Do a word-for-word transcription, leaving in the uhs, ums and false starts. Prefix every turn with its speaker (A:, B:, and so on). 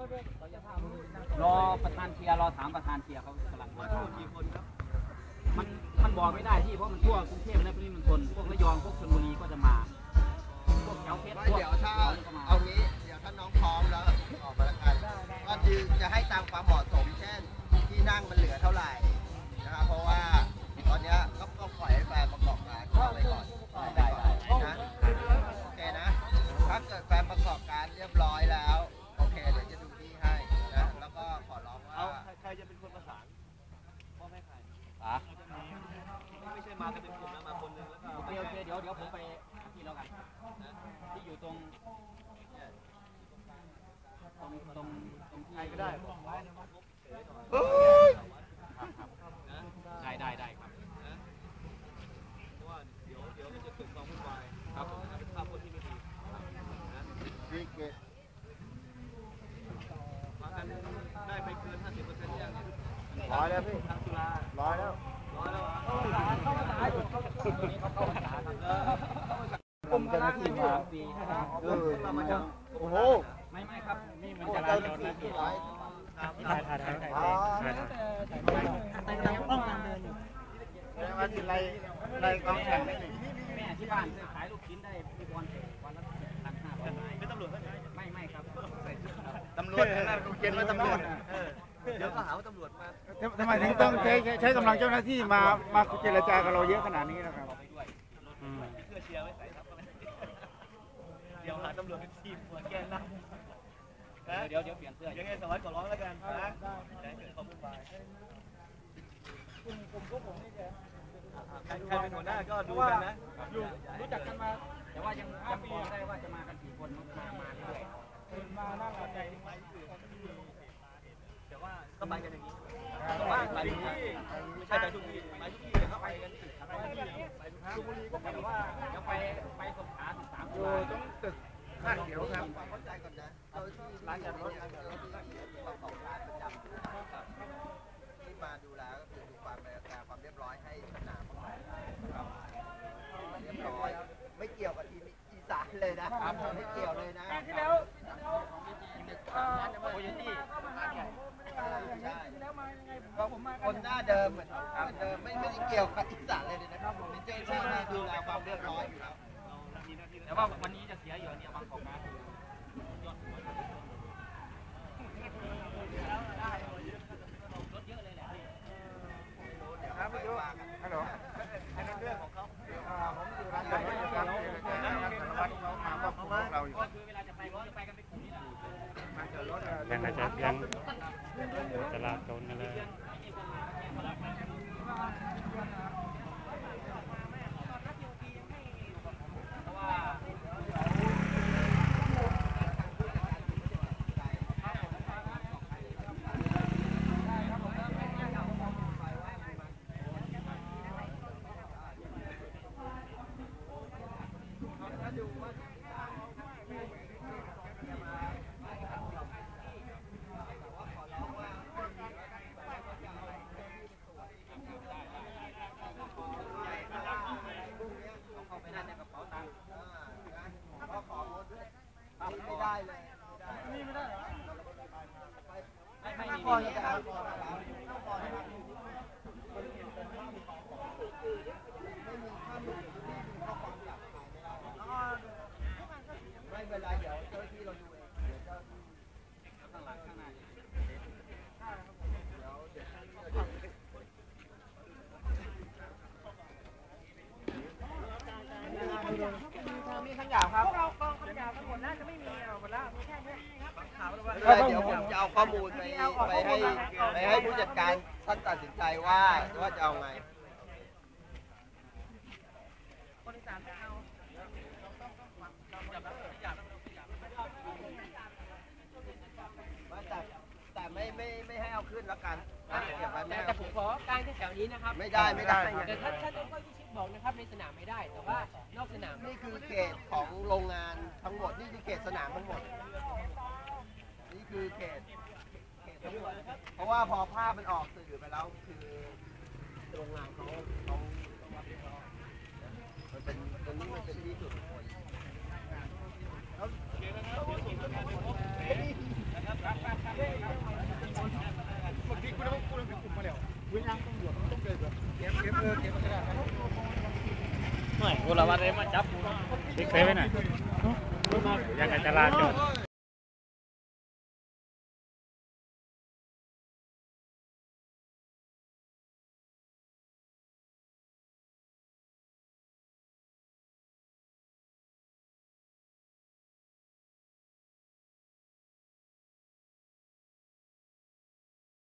A: รอประธานเชียร์รอถามประธานเชียร์เขากำลังมากี่คนครับมันมันบอกไม่ได้ที่เพราะมันทั่วกรุงเทพและปริมณฑลพวกระยองพวกชลบุรีก็จะมาพวกแถวเพชรพวก
B: เดี๋ยวถ้าเอางี้เดี๋ยวถ้าน้องพร้อมแล้วออกมาแล้วกันก็คือจะให้ตามความเหมาะสมเช่นที่นั่งมันเหลือเท่าไหร่นะครับเพราะว่าตอนนี้ก็ต้องปล่อยให้แฟนประกอบการเข้าไปก่อนได้นะโอเคนะถ้าเกิดแฟนประกอบการเรียบร้อยแล้วโอเคเดี๋ยวจะดูที่ให้นะแล้วก็ขอร้องว่าใครจะเป็นคนประสานพ่อแม่ใครอ่ะไม่ใช่มากันเป็นกลุ่มนะมาคนนึงแล้วก็โอเคโอเคเดี๋ยวเดี๋ยวผมไปที่แล้วกันที่อยู่ตรงตรงตรงตรงที่ก็ได้ได้ได้ได้ครับเพราะว่าเดี๋ยวเดี๋ยวจะเกิดความวุ่นวายครับผมเป็นภาพคนที่ไม่ดีนะดีเกตมากันได้ไปเกิน ห้าสิบเปอร์เซ็นต์ ยังร้อยแล้วพี่ทางจุฬาร้อยแล้วร้อยแล้วผมจะที่มาปีเออมาจากโอ้โหไม่ไม่ครับนี่มันจะร้ายเราที่ร้อยถ่ายถ่ายถ่ายถ่ายถ่ายถ่ายป้องกันเดินอยู่แล้วว่าที่ไรไรกองแข่งได้แม่ที่บ้านขายลูกชิ้นได้พี่บอลวันละพันห้าร้อยเป็นตำรวจไม่ไม่ครับตำรวจนะลูกเย็นแล้วตำรวจเดี๋ยวก็หาว่าตำรวจมา
C: ทำไมถึงต้องใช้ใช้กำลังเจ้าหน้าที่มามาเจรจากับเราเยอะขนาดนี้นะครับ
B: เพื่อเชียร์ไว้ใส่ครับเดี๋ยวหาตำรวจเป็นทีมหัวแกนนะ
A: เดี๋ยวเดี๋ยวเปลี่ยนเสื้อ
B: ยังไงสวัสดิ์ขอร้องแล้วกันนะแต่เกิดความวุ่นวายกลุ่มกลุ่มพวกผมนี่แกใครเป็นหัวหน้าก็ดูกันนะ
A: รู้จักกันมาแต่ว่ายังยังบอกไม่ได้ว่าจะมากันกี่คนมามาเรื่อย
B: มาหน้าเราใจแต่ว่าก็ไปกันอย่างนี้ก็ไปไปทุกที่ไม่ใช่ไปทุกที่ไปทุกที่ก็ไปกันไปทุกที่ไปทุกที่ก็ไปว่า
A: จะไปไปสงขลาสิบสาม
C: อยู่ตรงตึกข้างเขียวครับ
B: เข้าใจก่อนนะโดยที่ร้านจอดรถประกอบการประจำที่มาดูแลก็คือดูความความเรียบร้อยให้สนามเรียบร้อยไม่เกี่ยวกับทีมอีสานเลยนะไม่เกี่ยวเลยนะ
A: ที่แล้วโอ้ยที่
B: คนหน้าเดิมเหมือนเดิมไม่ไม่ได้เกี่ยวกับอีสานเลยนะครับผมเป็นเจ้าหน้าที่ดูแลความเรียบร้อยอยู่แล้ว
A: แต่ว่าวันนี้จะเสียอยู่เนี่ยบางกอกนะรถเยอะเลยแหละ
C: ครับพี่ดูฮัลโหล
B: เป็นเรื่องของเขา
C: ผมอยู่ร้านจอดรถครับสารวัตรเขามาก็พวกเราอยู่
A: ก็คือเวลาจะไปก็จะไปกันเป็นกลุ่มนี่แหละ
D: ยังอาจจะยังจราจรกันเลย
B: ไม่ได้เลยนี่ไม่ได้เหรอไม่ไม่พอจะเอาไม่มีข้าหนุนที่มีข้อความหลักฐานไม่ได้ไม่เป็นไรเดี๋ยวเจ้าที่เราดูเองเดี๋ยวเจ้าที่ข้างหลังข้างหน้ามีขยะครับพวกเรากองขยะทั้งหมดน่าจะไม่มีหมดแล้วมีแค่นี้ครับเดี๋ยวผมจะเอาข้อมูลไปไปให้ไปให้ผู้จัดการท่านตัดสินใจว่าว่าจะเอาไงคนอีสานไม่เอาแต่แต่ไม่ไม่ไม่ให้เอาขึ้นแล้วกัน
E: แต่ผมขอการแถวนี้นะครับ
B: ไม่ได้ไม่ได้
E: แต่ถ้าถ้าต้องบอกนะครับในสนามไม่ได้แต่ว่านอกสนาม
B: นี่คือเขตของโรงงานทั้งหมดนี่คือเขตสนามทั้งหมดนี่คือเขตเขตทั้งหมดเพราะว่าพอภาพมันออกสื่อไปแล้วคือโรงงานเขาเขาต้องรับผิดชอบมันเป็นตรงนี้มันเป็นที่สุดแล้ว
A: ไม่คนละวันเลยมาจับกู
D: ติ๊กเซไว้หน่อยยังไงจราจร